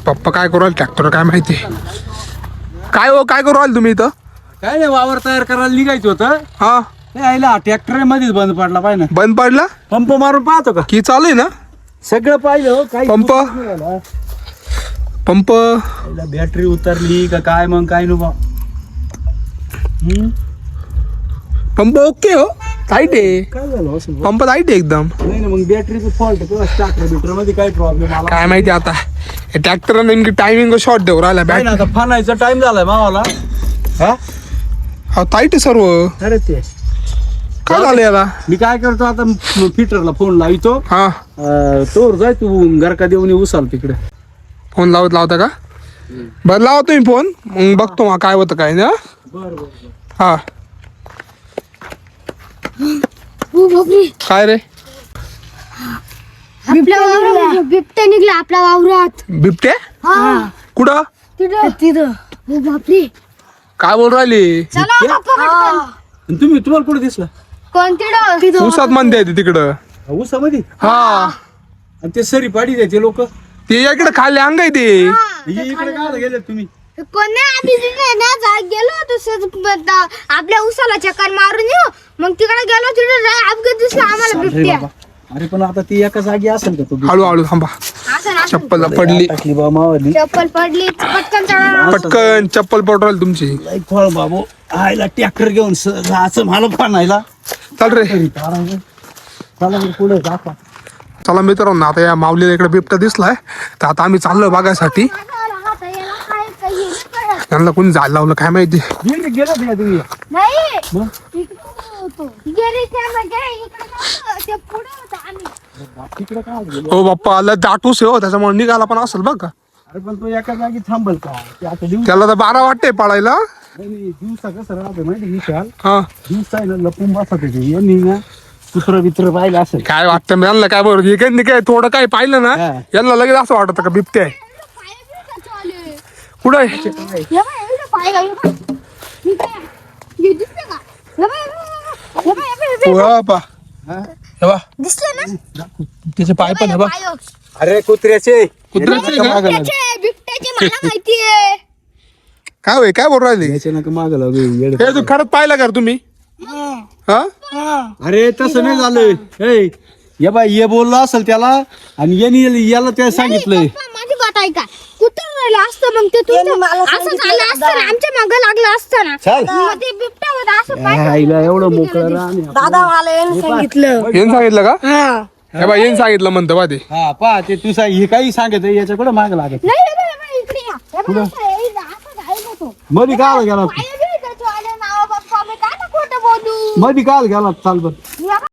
पप्पा काय करू राहिले ट्रॅक्टर काय माहिती. काय हो काय करू राहिले तुम्ही इथं? काय नाही वावर तयार करायला निघायचं होतं. हा यायला ट्रॅक्टर मध्येच बंद पडला पाहिजे. बंद पडला? पंप मारून पाहतो का? की चालू आहे ना सगळं पाहिजे हो. काही पंप? पंप बॅटरी उतरली का काय मग काय नको. पंप ओके हो टाईट आहे. काय झालं असं? पंप टाईट आहे एकदम. नाही ना मग बॅटरीचं फॉल्ट स्टार्टर बिटर मध्ये काय प्रॉब्लेम आला काय माहिती आता ट्रॅक्टर नेमकी टायमिंग शॉर्ट देऊ राहिला काय ना. बॅट. आता फानायचा टाइम झालाय मावाला. हा टाईट आहे सर्व. अरे ते काय झालं याला? मी काय करतो आता फिटरला फोन लावितो. हा तोवर जाय तू गरका देऊन उसाल तिकडे. फोन लावता का? बरं लावा तुम्ही फोन मग बघतो मग काय होतं काय ना. बरं हा काय रे? आपल्या वावरात बिबट्या निघला आपल्या वावरात. बिबट्या कुठं? तिथं हो बापरे. काय बोल राहिली? तुम्ही तुम्हाला कुठे दिसला? कोणती उसात म्हणते ते तिकडं. उसामध्ये. हा आणि ते सरी पाडी द्यायचे लोक. ते इकडे खाली अंग आहे ते. इकडे काय गेले तुम्ही? कोण नाही आम्ही गेलो तसंच आपल्या उसाला चक्कर मारून येऊ मग तिकडे गेलो तिकडे अपघात दिसला आम्हाला बिबट्या. अरे पण आता ती एका जागी असेल का? तू हळूहळू थांबा. चप्पल पडली. टाकली बा मावली. चप्पल पडली पटकन चढा. पटकन चप्पल पडू राहिली तुमची. फळ बाबू आयला ट्रॅक्टर घेऊन जायचं मला फानायला. चल रे चला पुढे जाता. चला मित्रांनो आता या माऊलीला इकडे बिबट्या दिसलाय तर आता आम्ही चाललो बघायसाठी. त्यांना कोणी जायला लावलं काय माहिती. गेला तुम्ही? नाही मग? तिकडे काय गेलो? हो बाप्पा आला दाटूस आहे हो त्याच्यामुळे निघाला पण असेल बघ का. अरे पण तो एका जागी थांबल का? ते आता दिवस त्याला तर 12 वाटते पळायला. दिवसा कसं राहते माहिती विशाल. हा दिवसा आहे ना लपून बसत यांनी ना कुत्र बित्र पाहिलं असेल. काय वाटतं मी यांना काय बरोबर हे काय थोडं काय पाहिलं ना हा. यांना लगेच असं वाटत का बिबट्या आहे. कुठं आहे? हो, बाप्पा. हे बघ, दिसले ना त्याचे पाय पण हे बघ. अरे कुत्र्याचे. कुत्र्याचे का? बिबट्याचे मला माहितीये. काय होय काय बोलू राहिले? याच्या नका माग लागू. हे तू खरंच पाहिलं का रे तुम्ही? हा अरे तसं नाही झालं. ए ये बाई ये बोललो असेल त्याला आणि याला त्या सांगितलंय. पप्पा, माझी बात ऐका कुठं राहिलं असतं मग ते असं झालं असतं ना आमच्या मागं लागलं असतं ना चल. मग ते बिबट्या होता असं पाहिलं. आईला एवढं मोकळं राहणे. दादा मला येऊन सांगितलं. येऊन सांगितलं का? हे बा येऊन सांगितलं म्हणतं बा ते. हा पा ते तू हे काही सांगत याच्याकडे माग लागत. नाही रे बाबा, इकडे या. हे बघ, असं घाईत होतो. मधी काय गेला? पाय बी त्याचे आले नाव बाप्पा, मी काय खोटं बोलू. मधी काय गेला? चाल बर. या